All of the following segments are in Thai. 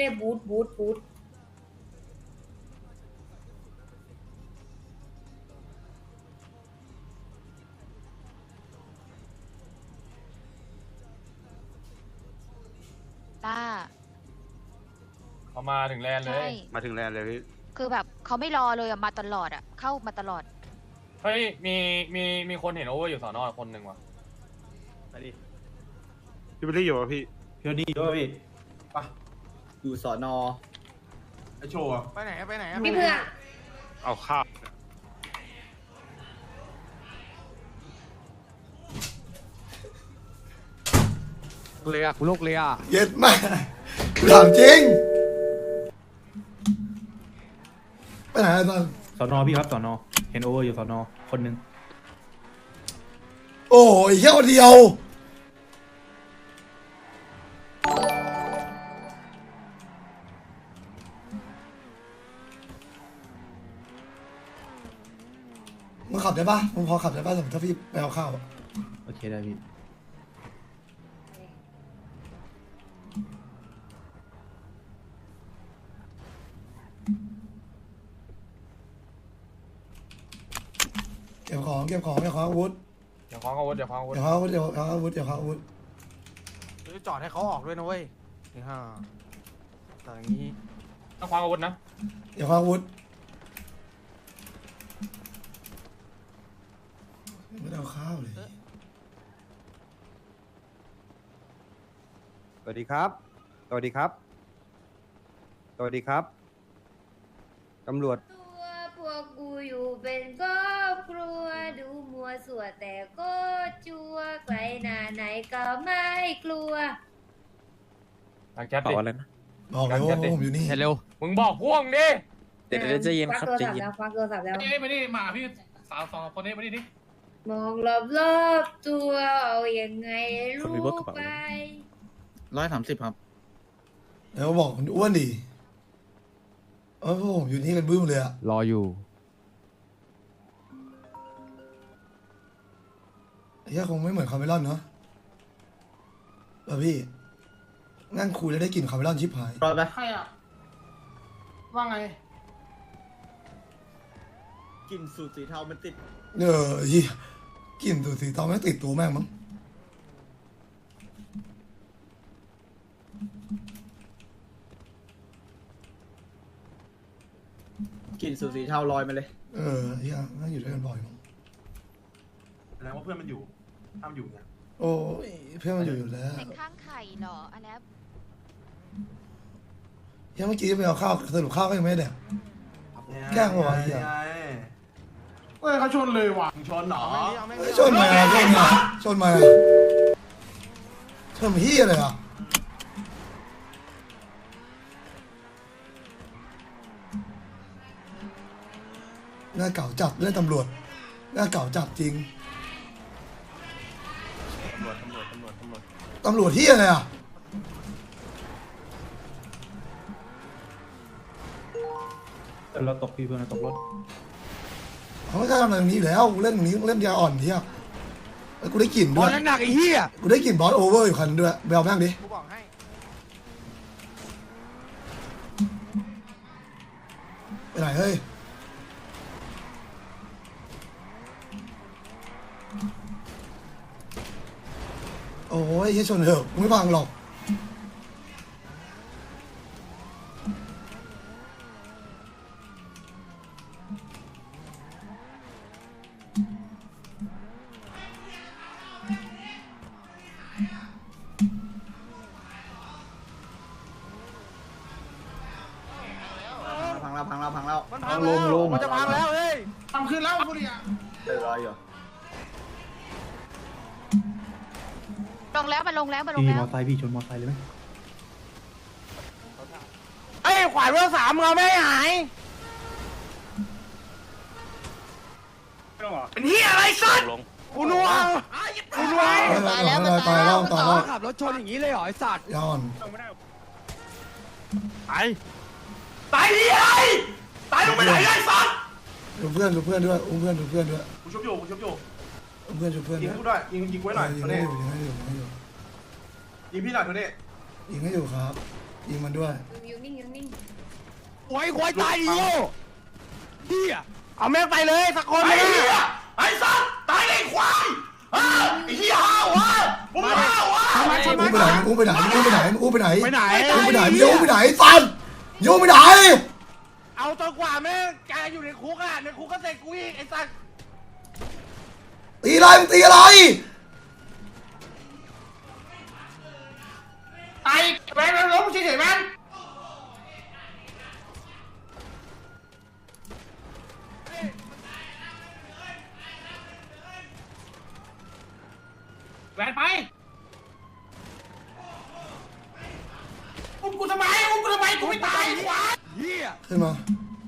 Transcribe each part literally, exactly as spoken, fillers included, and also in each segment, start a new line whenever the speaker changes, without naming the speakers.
ได้บูทบูทบูท
ต้า
เขามาถึงแลนด์เล
ใช่
ย
มาถึงแลนด์เลยพี่
คือแบบเขาไม่รอเลยอะมาตลอดอะเข้ามาตลอด
เฮ้ยมีมีมีคนเห็นโอเวอร์อยู่สอนอคนหนึ่งว่ะ
ไปดิพี่ไปได้อยู่ป่ะพี่
พี่ดีด้วยพี่
ปะอยู่สอนอไอโชว์อะ
ไปไหนไปไหน
พี่เพื่อ
เอาข้าว
เลยอะกูโลกเลยอะ
เย็ดมากถามจริงไปไหนอะตอน
สอนอพี่ครับสอนอเห็นโอเวอร์อยู่สอนอคนหนึ่ง
โอ้ยแค่คนเดียวมึงขับได้ปะมึงพอขับได้ปะสมมติถ้าพี่ไปเอาข้าวอะ
โอเคได้พี่
เก็บของเก็บของเก็บของอาวุธ
เดี๋ยวคว้างอาวุธเดี๋ยวคว้างอาวุธ
เก็บของอาวุธเก็บของอาวุธเก็บของอาวุธ
จอดให้เขาออกด้วยนะเว้ยนี่ฮะแต่อย่างนี้
ต้องคว้างอาวุธนะ
เก็บของอาวุธไม่ได้เอาข้าวเลย
สวัสดีครับสวัสดีครับสวัสดีครับตำรวจ
ตัวพวกกูอยู่เป็นครอบครัวดูมัวสัวแต่ก็จัวไกลหน้าไหนก็ไม่กลัว
หลังแจ๊ดดิ
บอกเลยว่าผมอยู่นี่
เร็ว
มึงบอกพวกดิ
เดี๋ยวเดี๋ยวจะเย็นครับจะเย็นควักโทรศัพท์แล้ว
นี่มานี่มาพี่สาวสองคนนี้มานี่ดิ
มองรอบรอบๆตัวเอายังไงรู้ไป
ร้อยสามสิบครับ
แล้วบอกมันอ้วนดิเออพวกผมอยู่นี่กันบึ้มเลยอะ
รออยู่
เฮียคงไม่เหมือนคาเมลอนเนาะเออพี่นั่งคุยแล้วได้กลิ่นคาเมลอนชิบหาย
รอดไหม
ใครอ่ะว่าไง
กลิ่นสูตรสีเทามันติด
เออเฮียกลิ่นตัวสีทองไม่งติดตัวแม่งมั้ง
กลิ่นสูตรสีเทาลอยมาเลย
เออเฮียนั่งอยู่ด้วยกันบ่อยมั้ง
แสดงว่าเพื่อนมันอยู่ทำอยู่เนี่ย
โอ้ยเพื่อนมันอยู่อยู่แล้ว
เด็กข้างไข่เหรออันนี้
เฮียเมื่อกี้ไปเอาข้าวสรุปข้าวก็ยังไม่ได้แดก แกล้งวะไอ้เหี้ย
เฮ้ยเขาชนเลยว่ะชนเหรอ
เฮ้ยชนมาชนมาชนมาชนมาเฮียเลยอ่ะหน้าเก่าจัดเรื่องตำรวจหน้าเก่าจัดจริง
ตำรวจตำรวจตำรวจตำรวจ
ตำรวจเฮียเลยอ่ะ
เราตกพี่เพื่อนเราตกรถ
เขาไม่กล้าทำอะไรตรงนี้อยู่แล้วกูเล่นตรงนี้เล่นยาอ่อนเฮียเอ้ยกูได้กลิ่นด้วย
หนักไอ้เหี้ย
กูได้กลิ่นบอสโอเวอร์อยู่คันด้วยไปเอาแม่งดิ
กูบอกให้
ไปไหนเฮ้ยโอ้ยเฮียชนเถอะกูไม่ฟังหรอก
พังแล้วพังแล้วพังแล้ว
มันพังแล้วมันจะพังแล้วเฮ้ย
ทำขึ้นแล้วกูดิอ่ะเดี๋ยวรออยู่
ลงแล้วมาลงแล้วมาลง
พี่
แล้
ม
ว
อไซค์พี่ชนมอไซค์เลยไหม
ไอ้ขวานเวลสามมึงเอาไม่หายเป็นเฮียอะไรสัตว์กูนัวกูนัว
ตายแล้วมัน
ตา
ตายย
แล้
แล้ว ว
ตายแล้ว
ขับรถชนอย่างนี้เลยเหรอไอ้สัตว์
ยาอ่อน
ตายตายดิไอ้ตายลงไปไหนไอ้สัตว์
ดูเพื่อนดูเพื่อนด้วยอุ้มเพื่อนดูเพื่อนด้วย
กูชุบอยู่กูชุบอยู่
อุ้มเพื่อนดูเพื่อน
ยิ
ด้
ง
วย
กูด้วยยิงยิงไว้หน่อย
ยิง
ตัว
ให้
นี้
อยู่ยิงให้อยู่ยิงให้อยู่
ยิงพี่หน่อยตัวนี้
ยิงให้อยู่ครับยิงมันด้วย
อยู่นิ่งอยู่นิ่ง
โอ้ยควายตายดิโง่เฮียเอาแม่งไปเลยสักคนเลยไอ้สัตว์ตายเลยควายไอ้เฮียห้าววะมึงห้าววะ
มึงไปไหนมึงไปไหนมึงไปไหนมึงไปไหน
ไปไหน
มึงไปไหนมึงโยงไปไหนสันโยงไปไหน
เอาจนกว่าแม่งแกอยู่ในคุกอ่ะในคุกก็เสร็จกูอีกไอ้สัตว์
ตีอะไรมึงตีอะไร
ตายแม่งล้มเฉยๆแม่ง แหวนไปอุ้มกูทำไมอุ้มกูทำไมกูไม่ตายควายเฮีย
ขึ้นมา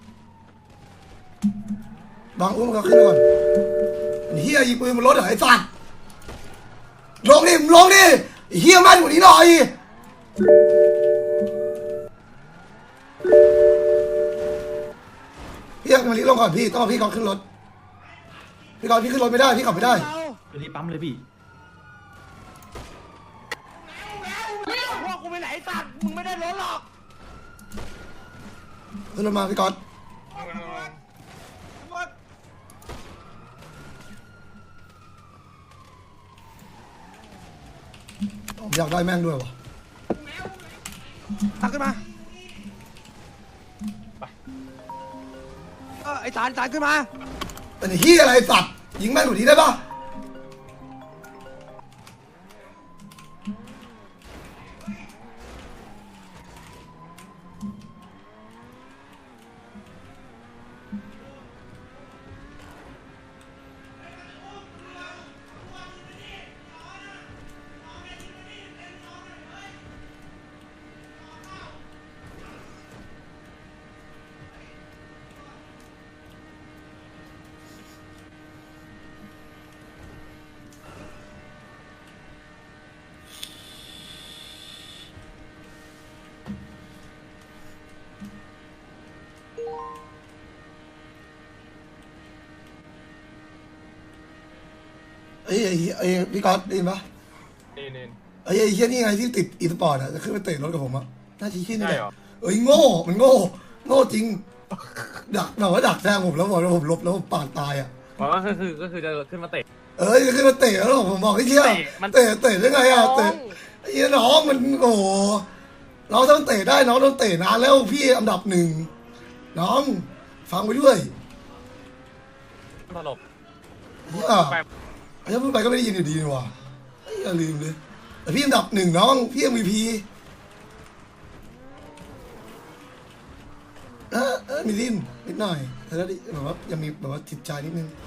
บังอุ้มเขาขึ้นมาก่อนเฮียยิงปืนบนรถเหรอไอ้สัตว์ลงดิมึงลงดิเฮียแม่นกว่านี้หน่อยพี่ยังมาลิลงก่อนพี่ต้องเอาพี่ก่อนขึ้นรถพี่ก่อนพี่ขึ้นรถไม่ได้พี่ขับไม่ได้
รีบปั๊มเลยพี่พวกกูไปไหนสัตว์มึงไม่ได้รถหรอก
ขึ้นรถมาพี่ก่อนผมอยากได้แม่งด้วยวะ
ตักขึ้นมาเออไอ้สารสารขึ้นมา
เป็นเฮียอะไรสัตว์ยิงแม่งกว่านี้ได้ปะเอ้ยไอ้เหี้ยไอ้พี่ก๊อตได้ยินปะ
นี่นี่
ไอ้ไอ้เฮียนี่ไงที่ติดอีสปอร์ตอะจะขึ้นไปเตะรถกับผมอะน่าจะเฮียนี่
ใช่
แหละ
เหรอ
เอ้ยโง่มันโง่โง่จริงดักแบบว่าดักแทงผมแล้วบอกว่าผมหลบแล้วผมปาดตายอะ
อ๋อก็คือก็คือจะขึ้นมาเตะ
เอ้ยจะขึ้นมาเตะแล้วผมบอกไอ้เฮีย
เตะมัน
เตะเตะได้ไงอะเตะไอ้เฮียน้องมันโอ้โหน้องต้องเตะได้น้องต้องเตะนานแล้วพี่อันดับหนึ่งน้องฟังไปด้วย
ตลบ
อ่ะ
ไป
ถ้าพูดไปก็ไม่ได้ยินอยู่ดีนี่หว่าเอ้ยอย่าลืมเลยแต่พี่อันดับหนึ่งน้องพี่ เอ็ม วี พี เออเออมีลิ้นนิดหน่อยแต่แล้วแบบว่ายังมีแบบว่าจิตใจนิดนึง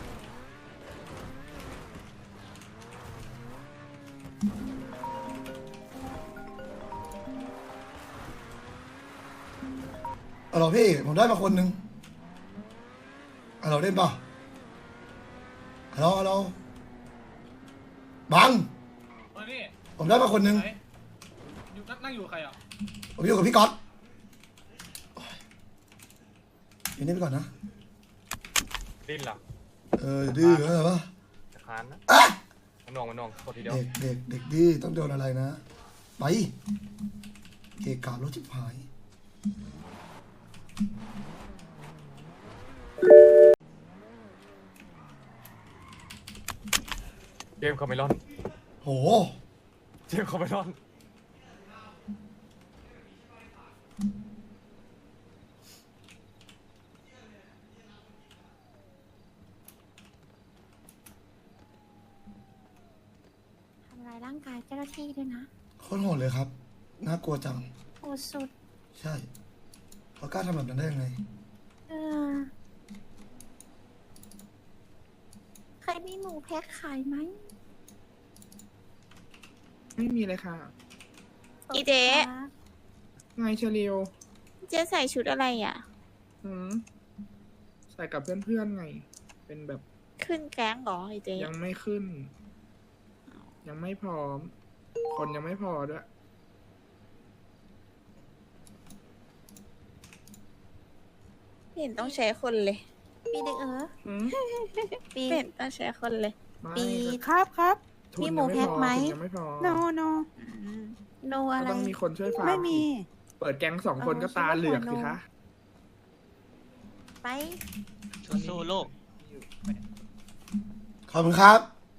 เอาเราพี่ผมได้มาคนหนึ่งเอาเราเล่นป่ะเอาเราเอาเราบัง
เออนี่
ผมได้มาคนหนึ่ง
ไหนอยู่นั่งอยู่ใครอ่ะ
ผมอยู่กับพี่ก๊อตอยู่นี่ไปก่อนนะ
ดิ้นหรอ
เออดื้อเออป่ะ
จะคานนะ
อ่ะ
มันนองมันนองกดทีเดียว
เด็กเด็กเด็กดื้อต้องโดนอะไรนะ ไปเกะกะรถจิบหาย
เกมคอมเมลอน
โห
เกมคอมเมลอน
ทำลายร่างกายเจ้าหน้าที่ด้วยนะ
โคตรโหดเลยครับ น่ากลัวจัง
โหดสุด
ใช่เขากล้าทำแบบนั้นได้ยังไง
เออใครมีหมูแพ็คขายไหม
ไม่มีเลยค่ะ
อีเจ๊
ครับ
ไงเชลียว
เจ๊ใส่ชุดอะไรอ่ะ
หืมใส่กับเพื่อนๆไง เป็นแบบ
ขึ้นแก๊งเหรออีเจ๊
ยังไม่ขึ้น ยังไม่พร้อม คนยังไม่พอด้วย
ไม่เห็นต้องใช้คนเลย
ปีเด็กเออ
หืม
ปี
ไม่เห็นต้องใช้คนเลย
ไม่
ปี
ก็
ครับครับ
ทุน
มี
ยัง
หมูแพ็คไหม
ทุนยังไม่พอ
โนโนโน
ก็
อะไร
ต้องมีคนช่วยฟาร์ม
ไม่มี
อีกเปิดแก๊งสองคนก็ตาเหลือกสิคะ
ไป
สู้ๆลูก
ขอบคุณครับ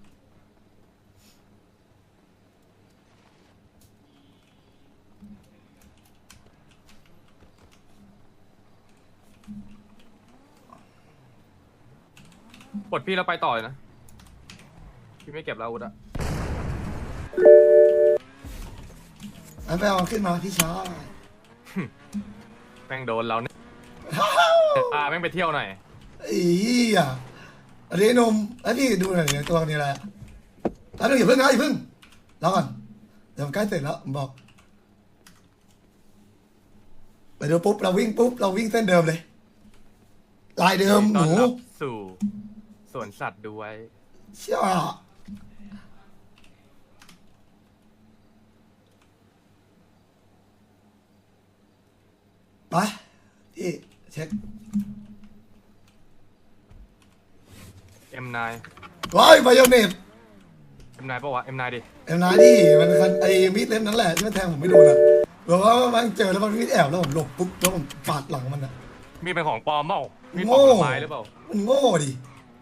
ปลดพี่แล้วไปต่อเลยนะ พี่ไม่เก็บแล้วอาวุธอะ
อันไปเอาขึ้นมาพี่ชาย
แม่งโดนเราเนี่ยอ่าแม่งไปเที่ยวหน่อย
อีอ่ะอันนี้นมแล้วพี่ดูหน่อยเนี่ยตัวนี้อะไรอะแล้วอย่าเพิ่งนะอย่าเพิ่งรอก่อนเดี๋ยวมันใกล้เสร็จแล้วผมบอกไปดูปุ๊บเราวิ่งปุ๊บเราวิ่งเส้นเดิมเลยลายเดิมห
ต้อ
นู
นรับสู่สวนสัตว์ด้วย
เชี่ยไปพี่เช็ค
เอ็มนาย
ว้ายไบโอเนต
เอ็มนายปะวะเอ็มนายดิ
เอ็มนายดิมันคันไอ้มีดเล่มนั้นแหละที่มันแทงผมไม่โดนอ่ะบอกว่ามันเจอแล้วมันมีดแอบแล้วผมหลบปุ๊บแล้วผมปาดหลังมันอ่ะ
มีเป็นของปลอมเปล่ามีปล
โง่
อมผลไม้หรือเปล่า
มันโง่ดิ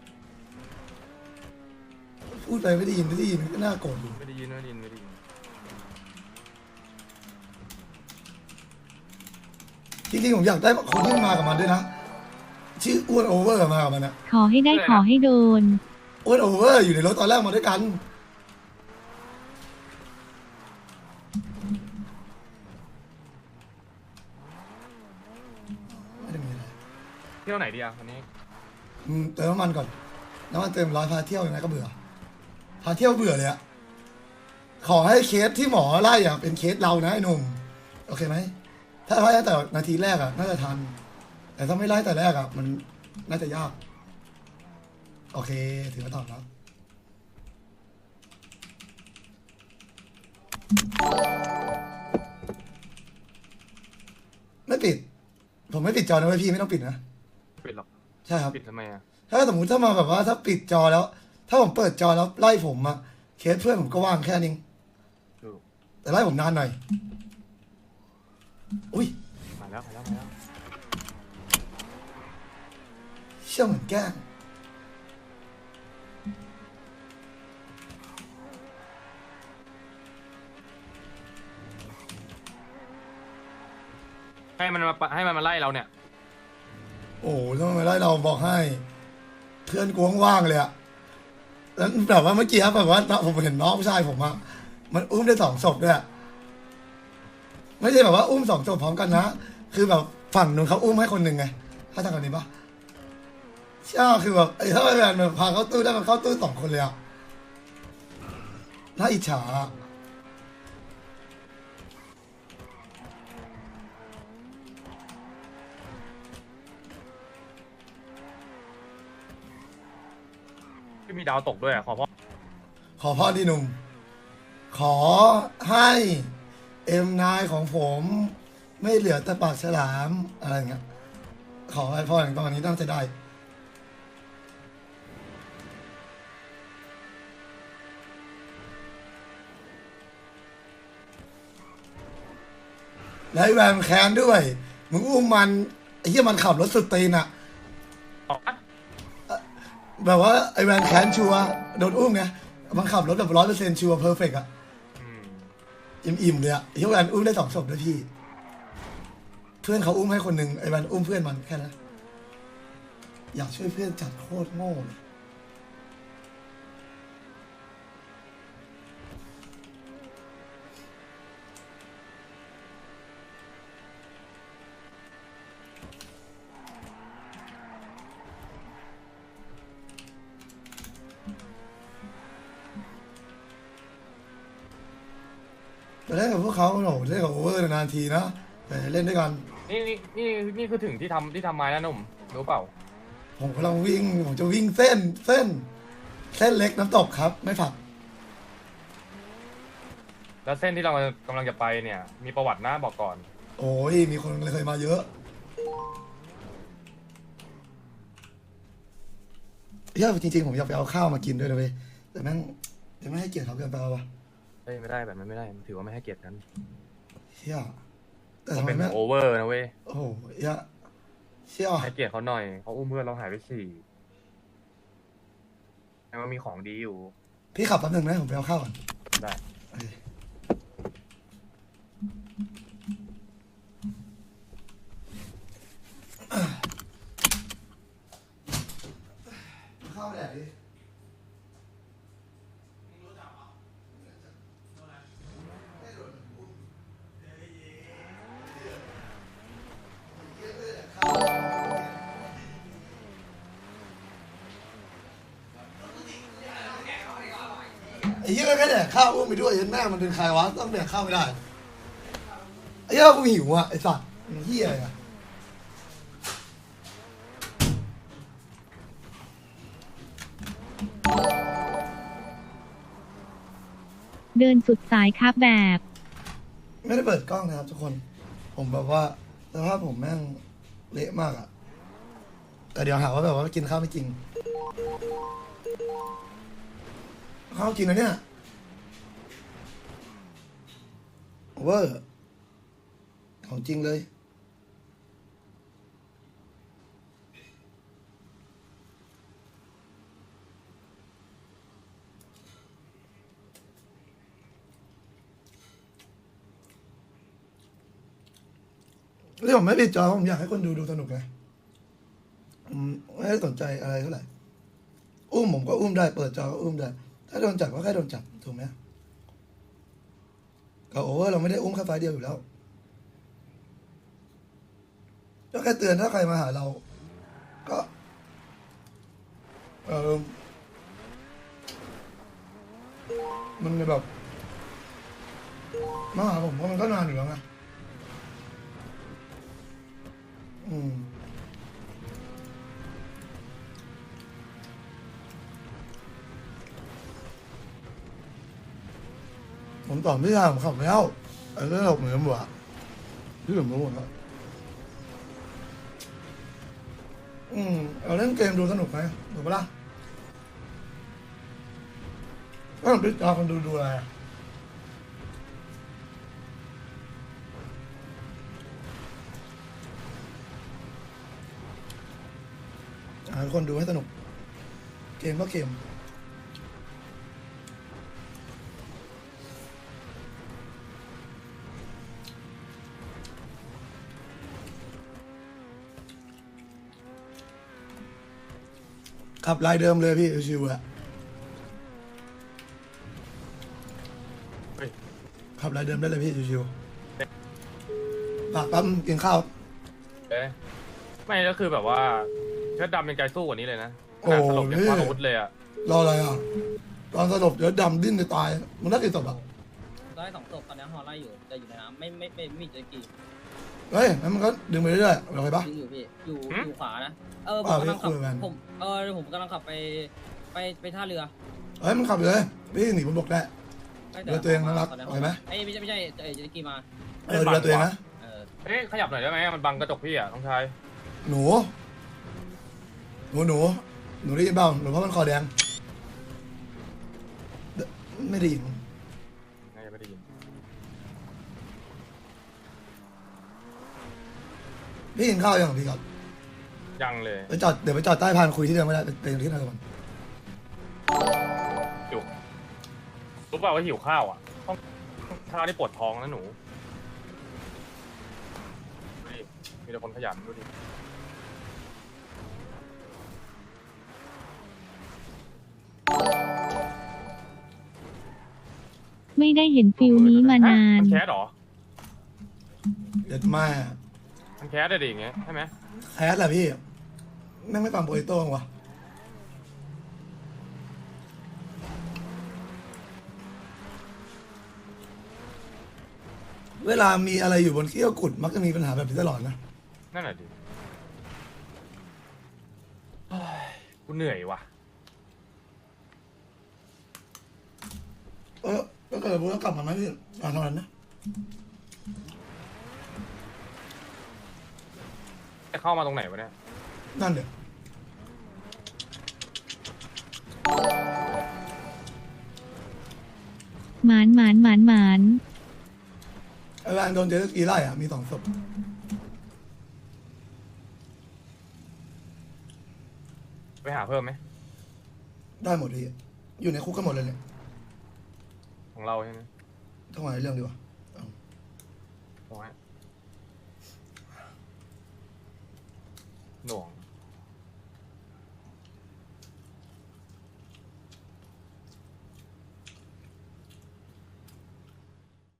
พูดไปไม่ได้ยินไม่ได้ยินก็น่าโกรธอยู่
ไม่ได้ยินไม่ได้ยินไม่ได้ยิน
จริงๆผมอยากได้คนที่มากับมันด้วยนะชื่ออ้วนโอเวอร์มากับมันอะ
ขอให้ได้ขอให้โดน
อ้วนโอเวอร์อยู่ในรถตอนแรกมาด้วยกันไม่ได้มีอะไร
เที่ยวไหนดีอะวันนี้
อืมเติมน้ำมันก่อนน้ำมันเติมร้อยพาเที่ยวยังไงก็เบื่อพาเที่ยวเบื่อเลยอะขอให้เคสที่หมอไล่อะเป็นเคสเรานะไอ้หนุ่มโอเคไหมถ้าไล่ตั้งแต่นาทีแรกอะน่าจะทัน แต่ถ้าไม่ไล่แต่แรกอะมันน่าจะยากโอเคถือว่าตอบแล้วไม่ปิด ผมไม่ปิดจอนะเว้ยพี่ไม่ต้องปิดนะ
ปิดหรอก
ใช่ครับ
ปิดทำไมอะ
ถ้าสมมุติถ้ามาแบบว่าถ้าปิดจอแล้ว ถ้าผมเปิดจอแล้วไล่ผมอะเคสเพื่อนผมก็ว่างแค่นี้
ดู
แต่ไล่ผมนานหน่อยอุ้ย
มาแล้วมาแล้วมาแล้ว
เชื่อเหมือนแกล้ง
ให้มันมาให้มันมาไล่เราเนี่ย
โอ้โหถ้ามาไล่เราบอกให้ เพื่อนกวงว่างเลยอะแล้วแบบว่าเมื่อกี้ครับแบบว่าผมเห็นน้องผู้ชายผมอะมันอุ้มได้สองศพด้วยอะไม่ใช่แบบว่าอุ้มสองศพพร้อมกันนะคือแบบฝั่งนู้นเขาอุ้มให้คนหนึ่งไงถ้าทำกันนี้ปะใช่คือแบบไอ้ถ้าไอ้แมนมันพาเข้าตู้ได้มันเข้าตู้สองคนเลยอะน่าอิจฉา
ที่มีดาวตกด้วยอะขอพ่อ
ขอพ่อที่หนุ่ม ขอให้เอ็มนายของผม ไม่เหลือแต่ปากฉลามอะไรอย่างเงี้ยขอให้พ่ออย่างตอนนี้ตั้งใจได้ แล้วไอ้แวนแคนด้วย มึงอุ้มมันไอ้เหี้ยมันขับรถสุดตีนอะ
ออกอะ
แบบว่าไอ้แวนแคนชัวร์โดนอุ้มไงมันขับรถแบบร้อยเปอร์เซ็นต์ชัวร์เพอร์เฟกต์อะ
อืม
อิ่มๆเลยอะไอ้เหี้ยแวนอุ้มได้สองศพด้วยพี่ เพื่อนเขาอุ้มให้คนหนึ่งไอ้แวนอุ้มเพื่อนมันแค่นั้นอยากช่วยเพื่อนจัดโคตรโง่เลยไปเล่นกับพวกเขาโอ้โหเล่นกับโอเวอร์นานๆทีนะแต่เล่นด้วยกัน
นี่นี่นี่นี่คือถึงที่ทำที่ทำไม้แล้วหนุ่มรู้เปล่า
ผมกำลังวิ่ง ผมจะวิ่งเส้น เส้น เส้นเล็กน้ำตกครับ ไม่ผัก
แล้วเส้นที่เรากำลังจะไปเนี่ย มีประวัตินะบอกก่อน
โอ้ย มีคนเคยมาเยอะเฮ้ยจริงๆ ผมอยากไปเอาข้าวมากินด้วยนะเว้ยแต่แม่งจะไม่ให้เกียรติเขาเกินไปวะ
เฮ้ยไม่ได้แบบนั้นไม่ได้มันถือว่าไม่ให้เกียรติกัน
เฮียแต่แต่
มัน
ทำไม
เป็น
แม่ง
โอเวอร์นะเว้ย
โอ้โหเหี้ยเชี่ย
ให้เกียรติเขาหน่อยเขาอุ้มเพื่อนเราหายไปสี่แต่มันมีของดีอยู่
พี่ขับแป๊บหนึงนะผมไปเอาข้าวก่อน
ได้
โอเคข้าวแดดดิไอ้เหี้ยก็แค่แดกข้าวอุ้มไปด้วยยันแม่มันเป็นใครวะต้องแดกข้าวไม่ได้ไอ้เหี้ยกูหิวอ่ะไอ้สัตว์มันเหี้ยอะไรอะ
เดินสุดสายครับแบบ
ไม่ได้เปิดกล้องนะครับทุกคน ผมแบบว่าสภาพผมแม่งเละมากอะแต่เดี๋ยวหาว่าแบบว่ากินข้าวไม่จริงข้าวกินนะเนี่ยเวอร์ของจริงเลยที่ผมไม่ปิดจอผมอยากให้คนดูดูสนุกไงอืมไม่ได้สนใจอะไรเท่าไหร่อุ้มผมก็อุ้มได้เปิดจอก็อุ้มได้ถ้าโดนจับก็แค่โดนจับถูกไหมกับโอเวอร์เราไม่ได้อุ้มแค่ไฟล์เดียวอยู่แล้วก็แค่เตือนถ้าใครมาหาเราก็เออมันแบบมาหาผมก็มันก็นานอยู่แล้วไงอืมผมตอบไม่ได้ผมขับแล้วไอ้เรื่องเหมือนหมดอะที่เหมือนหมดอะอืมเอาเล่นเกมดูสนุกไหมถูกปะล่ะก็ต้องพิจารณาคนดูดูอะไรอะหาคนดูให้สนุกเกมก็เกมขับลายเดิมเลยพี่ชิวๆอะ
เฮ้ย
ขับลายเดิมได้เลยพี่ชิวๆปากปั๊มกินข้าว
เอ๊ะไม่ก็คือแบบว่าเชิดดำยังใจสู้กว่านี้เลยนะข
โอ้
นาดสลบยัง
นี่
คว้าอาวุธเลยอ่ะ
รออะไรอ่ะตอนสลบเดี๋ยวดำดิ้นจะตายมันน่ากี่ศพอ่ะ
ได้สองศพตอนนี้ฮอไล่อยู่แต่อยู่ในน้ำไม่ไม่ไม่ไม่มีเจกี
เฮ้ยงั้นมันก็ดึงไปเรื่อยๆเราไปปะ
ยิงอยู่พี่อยู่อยู่ขวานะเออผ
อ่าม
กำลังขับ
พี่คุยกัน
ผมเออผมกำลังขับไปไปไปท่าเรือ
เฮ้ยมันขับเลยพี่หนีบนบกได้
ใกล้
เรือตัวเองนะรัก
ตอนนี้
โอเคไหม
ไอ้ยไม่ใช่ไม่ใช่เออเจกีมา
เออเรือตัวเองนะ
เออ
เอ๊ะขยับหน่อยได้ไหมมันบังกระจกพี่อ่ะน้องชาย
หนูหนูหนูหนูได้ยินเปล่าหนูเพราะมันคอแดงเดไม่ได้ยิน
น่าจะไม่ได้ยิน
พี่กินข้าวยังพี่ครับ
ยังเลย
ไปจอดเดี๋ยวไปจอดใต้พานคุยที่เดิมไม่ได้ไปที่ไหนก่อน
อยู่รู้เปล่าว่าหิวข้าวอ่ะต้องข้าวนี่ปวดท้องนะหนูดูดิมีแต่คนขยันดูดิ
ไม่ได้เห็นฟิลนี้มานาน
มันแคสเหรอ
เด็ดมาก
มันแคสได้ดิอย่างเงี้ยใช่ไหม
แคสแหละพี่แม่งไม่ฟังโปรโต้งวะเวลามีอะไรอยู่บนเขี้ยวกุดมักจะมีปัญหาแบบนี้ตลอดนะ
นั่นแหละดิเฮ้ยกูเหนื่อยว่ะ
เออก็เกิดพูดกลับมาไหมพี่อ่านเท่านั้นนะ
จะเข้ามาตรงไหนวะเนี่ย
นั่นเดี๋ยว
หมานหมานหมานหมาน
เอไอ้แวนโดนเจสกีไล่อ่ะมีสองศพ
ไปหาเพิ่มไหม
ได้หมดพี่อยู่ในคุกกันหมดเลยเนี่ย
ของเราใช่ไหม
ต้องมาในเรื่องดีกว่าเอา
โอ้ยหน่วง